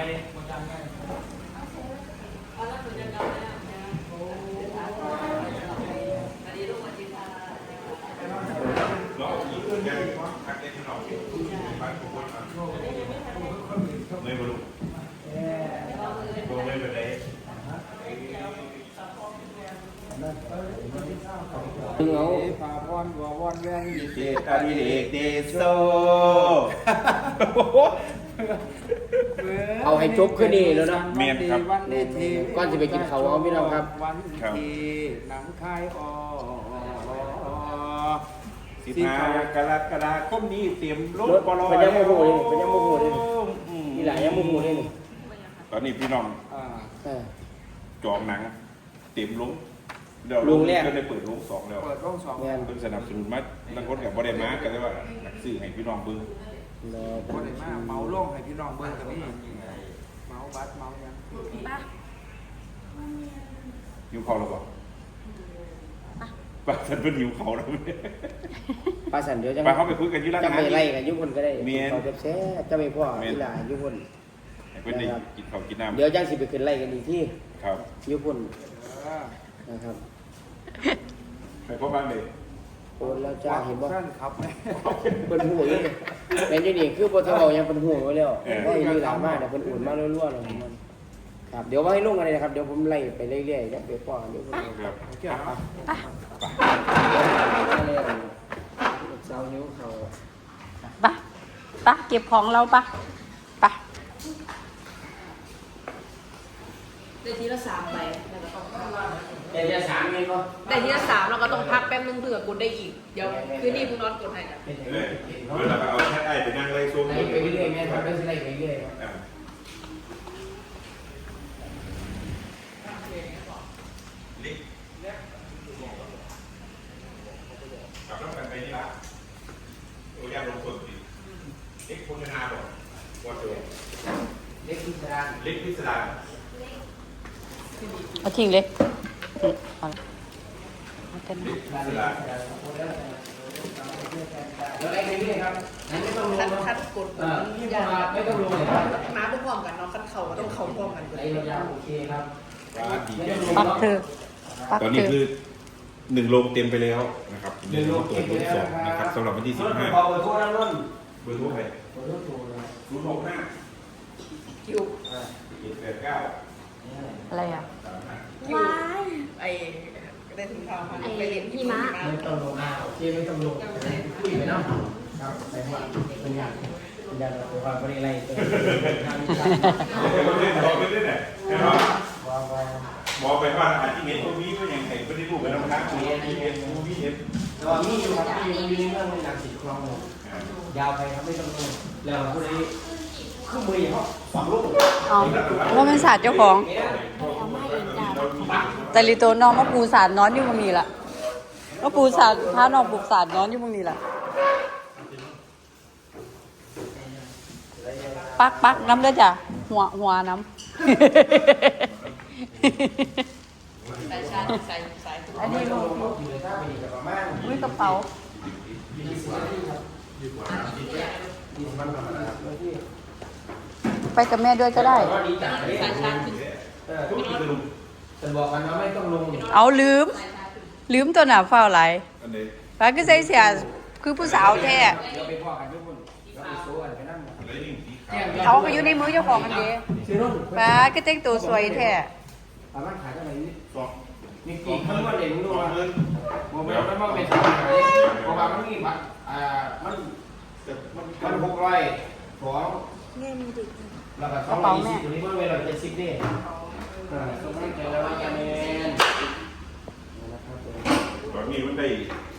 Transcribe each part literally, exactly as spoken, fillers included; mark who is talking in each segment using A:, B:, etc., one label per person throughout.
A: เลยหมดจำไงเราอีกเรื่องยังทักได้ที่เราบ้านทุกคนไม่บรรลุโดนไม่เป็นไร
B: เงา
A: ผ่าพรวัววอนแวงยิเด
B: เดอาดิเดกเดโซ
C: เอาให้จบขึ้นนี่แล้วนะ
B: เมียนครับ
A: วันนี้ที
C: ก่อนจะไปกินข้าวเอาพี่น้องครับ
A: วันที่หนังคายออ
B: สิบห้ากรกฎาคมนี้เตรียมรถ
C: รถ
B: บอล
C: เป็นยังโมโหเลยเป็นยังโมโหเลยนี่แหละยังโมโหเลยนี่
B: ตอนนี้พี่น้อง
A: อ่า
C: เออ
B: จองหนังเตรียมลงเดี๋ยว
C: ลงแรก
B: ก็ได้เปิดลงสองแล้ว
A: เปิดโรงสอง
C: งาน
B: เพิ่นสนับสนุนมานักรถกับบอดมาก็ได้ว่าหนักซื้อให้พี่น้องเบิ่ง
C: รอ
A: คนไหนมาเมาโล่งให้พี่น้องเบิ้งกันนี่เมาบัสเมายัง
B: หิวเขาแล้วบ่ป้าฉันเป็นหิวเขาแล้ว
C: ปลาสันเดี๋ยวจะ
B: ไปเขาไปคุยกันอยู่ร้าน
C: จะ
B: อาหา
C: ไป
B: ร
C: ไล่กันยุคนก็ได้
B: เมียน
C: เขาจะแซ่จะไม่พ่อที่หลายุคน
B: ให้เพิ่นได้กินข้าวกินน้ำ
C: เดี๋ยวจังสิไปขึ้นไล่กันอีกที่
B: ครับ
C: ยุคน
A: เออ
C: นะครับ
B: ไปพ่อบ้านเลย
C: โอนแล้วจ้าเห็นบ่
A: ท่านครับไหม
C: เป็นหัวอยู่นี่เป็นอยู่นี่คือบ่ทะเลายังเป็นหัวไว้แล้วก็มีหลายมากแต่เป็นอุ่นมารั่วๆเลยมันครับเดี๋ยวว่าให้ลงกันเลยนะครับเดี๋ยวผมไล่ไปเรื่อยๆแล้วไปป้อนเดี๋ยวผม
B: ครับ
A: โอเคครับ
C: เจ้านิ้วเขา
D: ปะปะเก็บของเราปะปะ
E: ได้ทีละสามใบแล้วก็ต้อง
C: แต่จะสามเงินก็
E: ได้ทีละสามเราก็ต้องพักแป๊บนึงเผื่อกดได้อีก เดี๋ยวคืนนี้คุณน็อตกดให้กัน
B: เออเวลาเอาแค่ไอ้ไปนั่งไล่ส้ม
C: ไล่ไปเรื่อยๆแม่ทำได้สิไล่ไปเรื่อย
B: อ่าลิกกลับแล้วกันไปนี่ละโอ้ยลงส่วนดิเล็กโฆษณาบอกว่าตัว
C: เล็กพิสดาร
B: เล็กพิสดาร
D: เอาทิ้งเลยอืมเอาละเอาแต่
B: เล็
D: นั้น
B: กพิสดาร
C: แล้วไล่ไปเรื่อยครับนั้นไม่ต้องลง
E: คัด
C: นะ
E: คัดกด
C: อ่าที่มาไม่ต้องลงเลยครับ
E: มาพร้อมกันเนาะคัดเข่าก็ต้องเข่าพร้อมกัน
C: ไล่ยาวๆโอเคครับ
B: ว่าดีใจ
D: ปักเธอปัก
B: ตอน
D: เธ
B: นี้
D: อ
B: คือหนึ่งโรงเต็มไปแล้วนะครับหนึ่งโรงตัวโรงสองนะครับสำหรับวันที่สิบห้า
C: ขอเบอร์โทรนะรุ่น
B: เบอร์โทรใคร
C: เบอร์โทรโทรเลย
B: ศูนย์หกห้า
E: คิว
B: เจ็ดแปดเก้า
D: อะไรอ่ะ
B: สามห้า
E: คิวไอ้ได้ถึงข่าวมาไปเรียนที่ม้า
C: ไม่ต้องลงอ่าโอเคไม่ต้องลงคุยไปเนาะครับไปว่าเป็นอย่างเป็นอย่างตัวความบริไลตัวทางการ
B: บอกไปเล่นบอกไปเล่นไหนเนาะ
C: ว่าว่า
B: บอกไปว่าอาจจะเห็นพวกนี้ก็ยังไงไม่ได้พูดไปแล้วนะมีเอ็นมีเอ็นมีเอ็น
C: แต่ว่ามีอยู่ครับมีมีเรื่องหนังสีคลองยาวไปครับไม่ต้องลงแล้วผู้ใดขึ้นมือเขาฝังลูก
D: เอาว่าเป็นศาสตร์เจ้าของแต่ลิโตน้องมาปูศาสตร์นอนอยู่ตรงนี้ล่ะก็ปูศาสตร์พาน้องปลูกศาสตร์นอนอยู่ตรงนี้ล่ะปักปักน้ำเด้อจ้ะหัวหัวน้
E: ใส่ชาใส่ใส่
D: ำอันนี้ลูก
C: อยู่ในท่าไปดีกับประมาณ
D: อุ้ยกระเป๋า
C: ยี่สิบนาทีครับยี่สิบวันประมาณครับที่
D: ไปกับแม่ด้วยก็ได้
C: ก็ดีจังเลย
E: ใส่ชาขึ้น
C: เออฉันบอกกันว่าไม่ต้องลง
D: เอาลืม ลืมตัวหนาเฝ้าไหล
B: อันนี้
D: ฟ้าก็ใส่เสียคือผู้สาวแท้
C: เดี๋ยวไปพ่อกันทุกคนเราไปโซ่กันไปนั่ง
B: แล้วยิ่งสีขาว
D: เอาก็อยู่ในมือเจ้าของกันดี
C: ซื้อรุ่น
D: ฟ้าก็แต่งตัวสวยแท้
C: สามารถขายได้ไหมนี่
B: สอง
C: มีกี่คำว่าเด่น
B: ส
C: รู้
B: อง
C: ว่า
B: หมื่น
C: โมเมนต์มันว่าเป็นสามขายเพราะว่ามันมีบัตรอ่ามันมันหกร้อยสองแล้วก็สองร้อยยี่สิบตัวนี้มันเวลาเจ็ดสิบเด้อ่าสมัยเจอแล้วกันเองนะครับ
B: ตอนนี้มันได้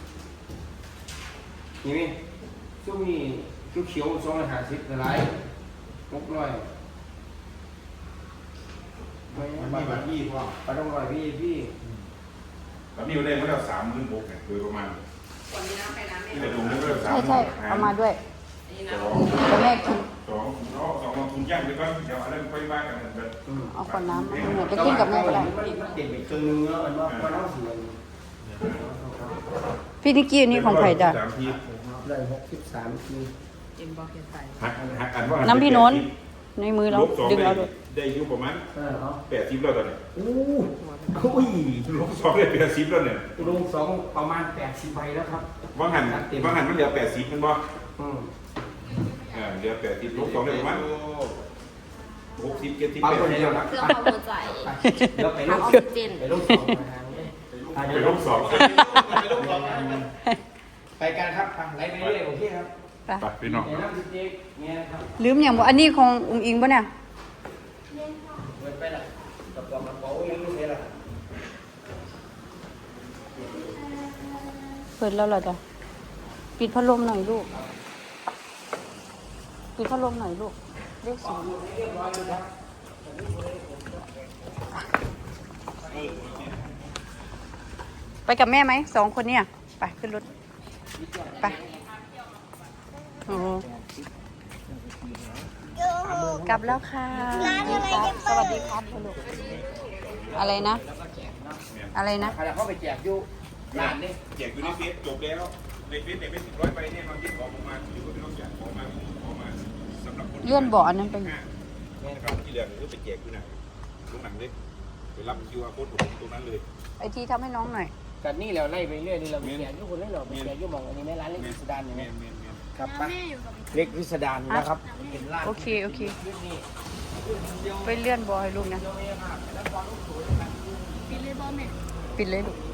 C: นี่นี่ช่วงนี้ชุดเขียวสองร้อยห้าสิบหลายหกร้อยไม่
B: มัน
C: บั
B: มี
C: ตร
B: บัตรยี่พ่อ
C: บัตรต้องร้อยพี่พี่
B: ตอนนี้มันได้มาแล้วสามหมื่นหกเนี่ยโดยประมาณ
E: ก่อนนี้น้ำไปน้ำไม่
B: ที่จะดูได้ก็สาม
D: ใช่ใช่เอามาด้วย
E: นี่
B: ส
E: น้
B: อง
D: แต่แม่กิน
B: สองสองลงทุนย่างไปก่อนเดี๋ยวอะไรค่อยว่ากันแบบ
D: เอาก่อนน้ำมาเนี่ยจะกินกับแม่ก็ได้
C: มันเด่นไปครึ่งนึงแล้วมันว่ามันต้องเสีย
D: พี่นิกกี้นี่ของใครจ้ะ
B: สามที
C: ได้หกสิบสามที
E: เอ็มบอกเขียนใส่
B: หักหักอันว่า
D: น้ำพี่โน้น
B: เ
D: ในมือเรา
A: ลบสอง
D: ดึง
A: ได้
D: เอาด้วย
A: ได้อยู่ประมาณ
C: เออเอา
A: แปดสิบแล้วตอนนี้
C: อู้อุ้ย
A: ลบสองได้แปดสิบแล้วเนี่ย
C: ลงสองประมาณแปดสิบใบแล้วครับ
A: ว่างหันว่างหันมันเหลือแปดสิบมันบ่
C: อืม
A: อ่าเหลือแปดสิบลบสองได้ประมาณหกสิบเจ็ดสิบ
C: ปั๊ม
A: แปด
C: ตัว
A: สิบ
C: เดียวนะ
E: เครื่องปั๊มหัวใจ
C: เดี๋ยวไปล
E: ปั๊ม
C: ง
E: ออก
C: ส
E: ซิเจน
C: ไปลงสองมาทางนี้อ่ะ
A: ไป
C: เดี๋ยว
A: ล
C: ล
A: บ
C: ง
A: สอง
C: ไปกันครับไปไล่ไปเรื่อยโอเคครับ
D: ไป
A: ไปพี่น้อง
C: เดี๋ยวน้ำจิ๊กเนี่ยนะครับ
D: ลืมอย่างบ่อันนี้ของอุ้งอิงป่ะเนี่ย
C: เปิดไปละกระป๋องกระเป๋ายังไม่เสร็จละ
D: เปิดแล้วเหรอจ๊ะปิดพัดลมหน่อยลูก ปิดพัดลมหน่อยลูกเลขศูนย์ไปกับแม่ไหมสองคนเนี่ยไปขึ้นรถไปโอ้กลับแล้วค่ะสวัสดีครับลูกอะไรนะ อะไรนะ
C: ใครเข้าไปแจกอยู่ร้านนี่
A: แจกอยู่ในเฟซจบแล้วในเฟซเนี่ยเป็นสิบร้อยใบเนี่ยเราคิดของออกมาอยู่ก็ไม่ต้องแจกของมาของมาสำหรับคน
D: เลื่อนเบาะอันนั้นไป
A: นะครับที่เหลือก็ไปแจกอยู่ไหนตรงหนังเลยไปรับคิวอาร์โค้ดตรงนั้นเลย
D: ไอทีทำให้น้องหน่อย
C: กันนี่เราไล่ไปเรื่อยนี่เราไปแจกอยู่คนนี้เราไปแจกอยู่มองอันนี้แม่ร้านเล็กพิสดารอย่าง
A: เม
C: นี้
A: นเมนเมน
C: ครับไปเล็กพิสดารนะครับเป็นร้าน
D: โอเคโอเค
C: นี่
D: ไปเลื่อนบอให้ลูกนะ
E: ปิดเลยบอมเนี่ย
D: ปิดเลยลูก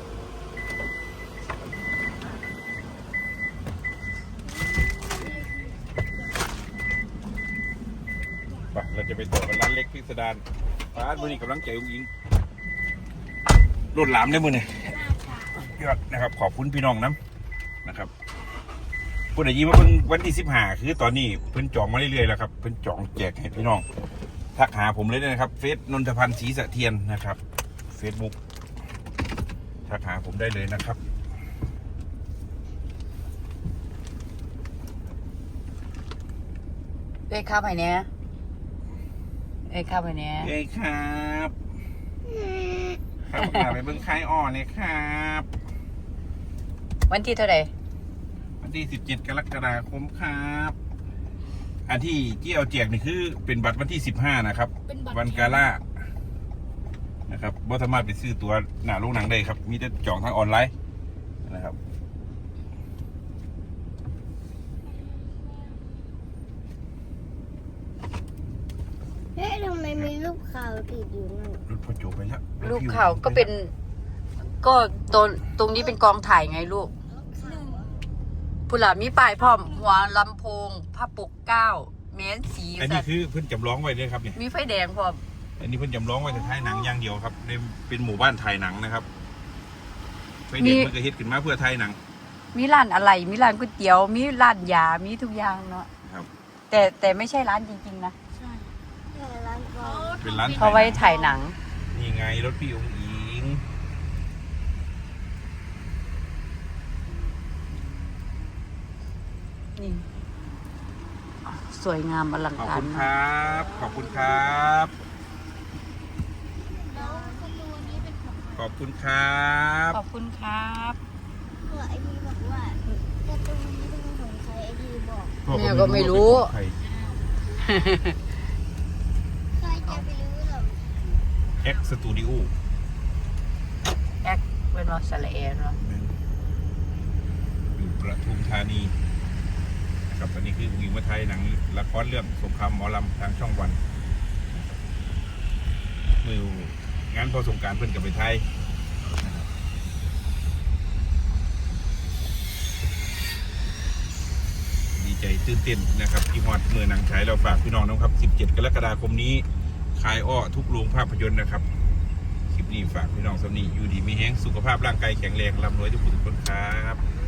A: ไปเราจะไปต่อกันร้านเล็กพิสดารร้านมือนี้กำลังใจอุ้งอิงรถหลามได้มือเนี่ยยอดนะครับขอบคุณพี่น้องน้ำนะครับพูดอย่างนี้ว่าเพิ่งวันที่สิบห้าคือตอนนี้เพิ่นจองมาเรื่อยๆแล้วครับเพิ่นจองแจกให้พี่น้องทักหาผมเลยนะครับเฟซนนทพันธ์ศรีสะเทียนนะครับเฟซบุ๊กทักหาผมได้เลยนะครับ
D: เอ้ยข้าวไผ่เนี้ยเอ้ยข้าวไผ่เนี้ย
A: เอ้ยครับครับพาไปเบิ้งค่ายอ่อนเลยครับ
D: วันที่เท่าไหร่
A: วันที่สิบเจ็ดกรกฎาคมครับอันที่เจียวแจกนี่คือเป็นบัตรวันที่สิบห้านะครับวันกาล่านะครับบ่สามารถไปซื้อตัวหน้าโรงหนังได้ครับมีแต่จองทางออนไลน์นะครับ
F: เฮ้ยทำไมมีรูปข่าวติดอยู่นั่น
A: รถพอโจไปแล้ว
D: ลูกเขาก็เป็น ก็ตรงตรงนี้เป็นกองถ่ายไงลูกผู้หลามีป้ายพร้อม หัวลำโพงผ้าปกเก้าเม้นสี
A: อันนี้คือเพิ่นจำลองไว้ด้วยครับเนี่ย
D: มีไฟแดงพร้อม
A: อันนี้เพิ่นจำลองไว้แต่ถ่ายหนังอย่างเดียวครับในเป็นหมู่บ้านถ่ายหนังนะครับไฟเด็กมันก็เฮ็ดขึ้นมาเพื่อถ่ายหนัง
D: มีร้านอะไรมีร้านก๋วยเตี๋ยว มีร้านยา มีทุกอย่างเนาะ
A: ครับ
D: แต่แต่ไม่ใช่ร้านจริงๆนะ
F: แต่ร้านก็
A: เป็นร้าน
D: เขาไว้ถ่ายหนัง
A: นี่ไงรถพี่องค์อิง
D: นี่สวยงามอลัง
A: ขอบ
D: การ
A: คุณค
D: มาก
A: รับ ขอบคุณครับ
F: แล้วประตูนี้เป็นของ
A: ขอบคุณครับ
D: ขอบคุณครับ
F: เพื่อไอทีบอกว่าประตูนี้เป็นของใครไอทีบอก
D: แม่ก็ไม่รู้
A: ใคร
F: ใครจะไปรู้หรอ
A: เอ็กสตูดิโอ
D: แอคเป็นว่าสละเอนเนาะ
A: อยู่ประทุมธานีนะครับตอนนี้คือวิวมาไทยหนังละครเรื่องสงครามหมอลำทางช่องวันมืองานพอสงกรารเพื่อนกับไปไทยนะครับดีใจตื่นเต้นนะครับที่ฮอดเมื่อหนังฉายเราฝากพี่น้องนะครับสิบเจ็ดกรกฎาคมนี้คายอ้อทุกโรงภาพยนตร์นะครับคลิปนี้ฝากพี่น้องสำนีอยู่ดีมีแห้งสุขภาพร่างกายแข็งแรงร่ำรวยทุกคนทุกคนครับ